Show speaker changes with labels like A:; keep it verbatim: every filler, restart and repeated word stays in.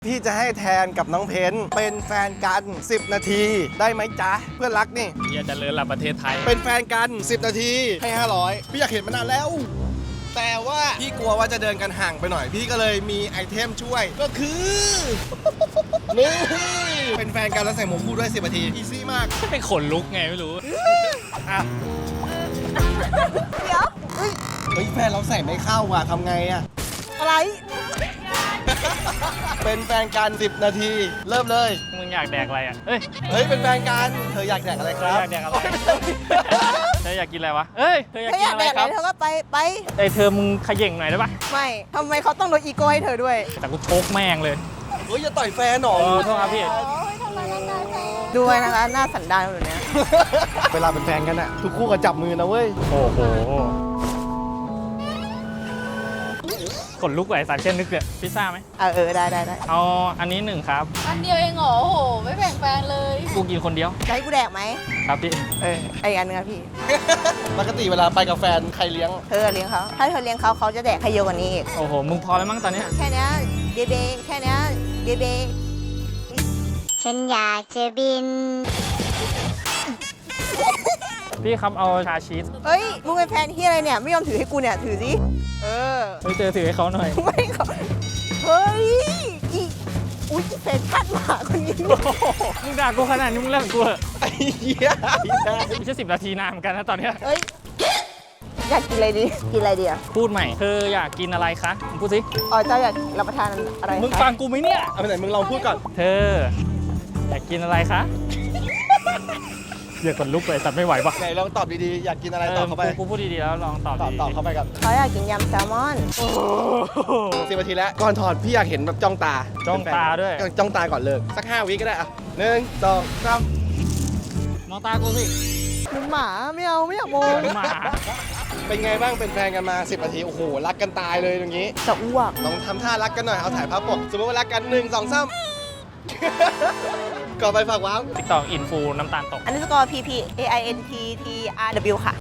A: พี่จะให้แทนกับน้องเพนเป็นแฟนกันสิบนาทีได้ไหมจ๊ะเพื่อนรักนี่
B: เฮียจะเลิศละประเทศไทย
A: เป็นแฟนกันสิบนาทีให้ห้าร้อยพี่อยากเห็นมานานแล้ว แต่ว่าพี่กลัวว่าจะเดินกันห่างไปหน่อย พี่ก็เลยมีไอเทมช่วยก็คือ นี่เป็นแฟนกันแล้วใส่หมวกคู่ด้วยสิบนาทีอีซี่มาก
B: เป็นขนลุกไงไม่รู้
A: อ่ะ
C: เดี๋ยว
A: เฮ้ยแฟนเราใส่ไม่เข้าว่ะทำไงอ่ะ
C: อะไร
A: เป็นแฟนกันสิบนาทีเริ่มเลย
B: มึงอยากแดกอะไรอ่ะเอ้ย
A: เฮ้ยเป็นแฟนกันเธออยากแดกอะไร
B: เธ
A: ค
B: อ
A: รับ
B: อยากแดกอะไรเธออยากกินอะไรวะเอ้ยเธออยาก
C: เธอ
B: กิ
C: อน ยาก
B: อะไร
C: แดก
B: ค
C: อะ
B: รับ
C: ไรเธอก็ไปไป
B: ไอเธอมึงขย่งหน่อยได้ปะ
C: ไม่ทำไมเขาต้องลดอีโก้ให้เธอด้วย
B: แต่กูโชกแม่งเลย
A: เฮ้ยอย่าต่อยแฟนหนอ
B: เออโทษครับพี่
C: ดูไว้นะคะหน้าสันดานแบบเนี้ย
A: เวลาเป็นแฟนกันอะทุกคู่ก็จับมือนะเว้ย
B: โอ้โหขนลุกไหวสารเช่นนึกเลยพิซซ่าไหม
C: เออเออได้ได้ได้
B: เอาอันนี้หนึ่งครับ
D: อันเดียวเองเหรอโอ้โห ไม่แบ่งแฟนเลย
B: กูกินคนเดียว
C: จะให้กูแดกไหม
B: ครับพี่
C: เออไออันนึงอะพี่
A: ปกติเวลาไปกับแฟนใครเลี้ยง
C: เธอเลี้ยงเขาถ้าเธอเลี้ยงเขาเขาจะแดกให้เยอะกว่านี้อีก
B: โอ้โหมึงพอแล้วมั้งตอนเนี้ย
C: แค่เนี้ยเบเบแค่เนี้ยเบเบ
E: ฉันอยากจะบิน
B: พี่ครับเอาชาชีส
C: เฮ้ยมึงเป็นแฟนที่อะไรเนี่ยไม่ยอมถือให้กูเนี่ยถือสิเออ
B: เฮ้ยเจอถือให้เขาหน่อย
C: ไม่เขาเฮ้ยอีอุ้ยแฟนคาดหมาคนนี้
B: มึงด่ากูขนาดนี้มึงเลิกกูเหอะ
A: ไอ้เหี้ย
B: ไม่ใช่สิบนาทีนานเหมือนกันนะตอนเนี้ย
C: เฮ้ยอยากกินอะไรดีกินอะไรดีอ่ะ
B: พูดใหม่เธออยากกินอะไรคะมึงพูดสิ
C: อ๋อเจ้าอยากรับประทานอะไร
B: มึง
C: คะ
B: ฟังกูไหมเนี่ย
A: เอาไปไหนมึงลองพูดก่อน
B: เธอ อยากกินอะไรคะเดี๋ยวขนลุกเลยสัตว์ไม่ไหวปะ
A: ไหนลองตอบดีๆ อยากกินอะไรตอบเข้าไป
B: กูกูพูดดีๆแล้วลองตอบ
A: ตอบ
B: ดี
A: ตอบเข้าไปก่อน
C: เขาอยากกินยำแซลมอน
A: สิบนาทีแล้ว ก่อนถอดพี่อยากเห็นแบบจ้องตา
B: จ้องตาด้วย
A: จ้องตาก่อนเลิกสักห้าวิก็ได้อะหนึ่งสองสาม
B: มองตากูสิ
C: หนูหมาไม่เอาไม่อยากมอง
B: หมา
A: เป็นไงบ้างเป็นแฟนกันมาสิบนาที โอ้โห รักกันตายเลยอย่างนี้
C: จะอ้วก
A: ลองทำท่ารักกันหน่อย เอาถ่ายภาพปกสมมติว่ารักกันหนึ่งสองสาม ก่อนไปฝากว้าว
B: ติ๊กต็อกอินฟูน้ำตาลตก
C: อันนี้สกอร์ P P A I N T T R W ค่ะ